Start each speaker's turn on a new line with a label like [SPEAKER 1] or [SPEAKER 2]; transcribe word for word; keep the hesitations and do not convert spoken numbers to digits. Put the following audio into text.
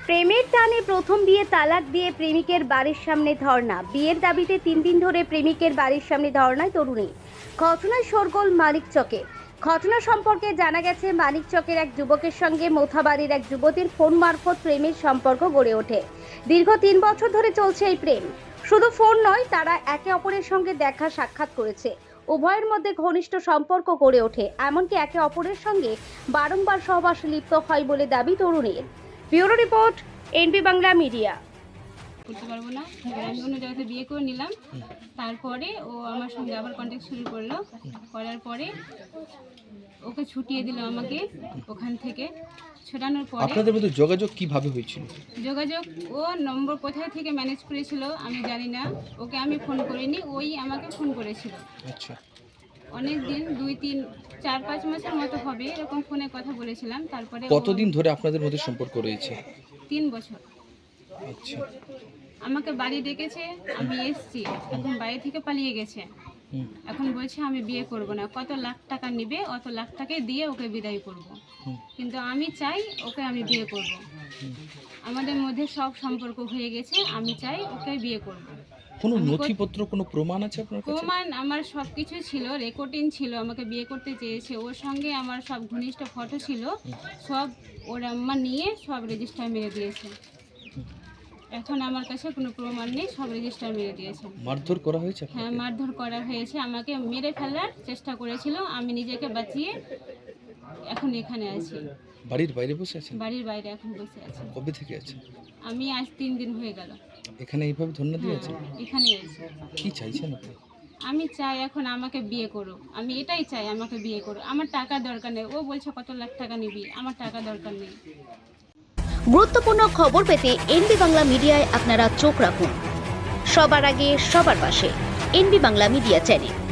[SPEAKER 1] প্রেমের টানে প্রথম বিয়ে তালাক দিয়ে প্রেমিকের বাড়ির সামনে ধর্ণা। বিয়ের দাবিতে তিন দিন ধরে প্রেমিকের বাড়ির সামনে ধর্ণায় তরুণী। ঘটনায় শোরগোল মানিকচকে। ঘটনা সম্পর্কে জানা গেছে, মানিকচকের এক যুবকের সঙ্গে মোথাবাড়ির এক যুবতীর ফোন মারফত প্রেমের সম্পর্ক গড়ে ওঠে। দীর্ঘ তিন বছর ধরে চলছে এই প্রেম। শুধু ফোন নয়, তারা একে অপরের সঙ্গে দেখা সাক্ষাৎ করেছে। উভয়ের মধ্যে ঘনিষ্ঠ সম্পর্ক গড়ে ওঠে, এমনকি একে অপরের সঙ্গে বারংবার সহবাসে লিপ্ত হয় বলে দাবি তরুণীর। Bureau report, NB Bangla media.
[SPEAKER 2] করতে পারবো না, আমি অন্য জায়গাতে বিয়ে করে নিলাম। তারপরে ও আমার সঙ্গে আবার কন্ট্যাক্ট শুরু করলো। করার পরে ওকে ছুটিয়ে দিল আমাকে ওখান থেকে। ছোটানোর পরে
[SPEAKER 3] আপনাদের মধ্যে যোগাযোগ কিভাবে হয়েছিল?
[SPEAKER 2] যোগাযোগ ও নম্বর কোথায় থেকে ম্যানেজ করেছিল আমি জানি না। ওকে আমি ফোন করিনি, ওই আমাকে ফোন করেছিল।
[SPEAKER 3] আচ্ছা,
[SPEAKER 2] অনেক দিন, দুই তিন চার পাঁচ মাসের মতো হবে এরকম ফোনে কথা বলেছিলাম। তারপরে ও-
[SPEAKER 3] কতদিন ধরে আপনাদের মধ্যে সম্পর্ক রয়েছে?
[SPEAKER 2] তিন বছর।
[SPEAKER 3] আচ্ছা,
[SPEAKER 2] আমাকে বাড়ি ডেকেছে, আমি এসছি, এখন বাড়ি থেকে পালিয়ে গেছে।
[SPEAKER 3] হুম,
[SPEAKER 2] এখন বলছে আমি বিয়ে করব না, কত লাখ টাকা নেবে অত লাখ টাকা দিয়ে ওকে বিদায় করব।
[SPEAKER 3] হুম,
[SPEAKER 2] কিন্তু আমি চাই ওকে আমি বিয়ে করব।
[SPEAKER 3] হুম।
[SPEAKER 2] আমাদের মধ্যে সব সম্পর্ক হয়ে গেছে, আমি চাই ওকে বিয়ে করব।
[SPEAKER 3] কোনো
[SPEAKER 2] আমি কত-
[SPEAKER 3] নথিপত্র, কোনো প্রমাণ আছে আপনার কাছে?
[SPEAKER 2] প্রমাণ আমার সব কিছু ছিল, রেকর্ডিং ছিল, আমাকে বিয়ে করতে চেয়েছে। ওর সঙ্গে আমার সব ঘনিষ্ঠ ফটো ছিল, সব ওর আম্মা নিয়ে সব রেজিস্টার মেরে দিয়েছে। এখন আমার কাছে কোনো প্রমাণ নেই, সব রেজিস্টার মেরে দিয়েছে।
[SPEAKER 3] মারধর করা হয়েছে
[SPEAKER 2] হ্যাঁ,
[SPEAKER 3] আপনাকে?
[SPEAKER 2] মারধর করা হয়েছে, আমাকে মেরে ফেলার চেষ্টা করেছিল। আমি নিজেকে বাঁচিয়ে এখন এখানে আছি,
[SPEAKER 3] বাড়ির বাইরে বসে আছেন?
[SPEAKER 2] বাড়ির বাইরে এখন বসে আছি।
[SPEAKER 3] কবে থেকে আছেন
[SPEAKER 2] আমি আজ তিন দিন হয়ে গেল
[SPEAKER 3] এখানে? এইভাবে ধন্যবাদ দিয়ে আছেন?
[SPEAKER 2] হ্যাঁ, এখানে আছি।
[SPEAKER 3] কি চাইছেন আপনি?
[SPEAKER 2] আমি চাই এখন আমাকে বিয়ে করো, আমি এটাই চাই, আমাকে বিয়ে করো। আমার টাকা দরকার নেই। ও বলছে কত লাখ টাকা নিবি, আমার টাকা দরকার নেই।
[SPEAKER 1] গুরুত্বপূর্ণ খবর পেতে এনবি বাংলা মিডিয়ায় আপনারা চোখ রাখুন। সবার আগে সবার পাশে এনবি বাংলা মিডিয়া চ্যানেল।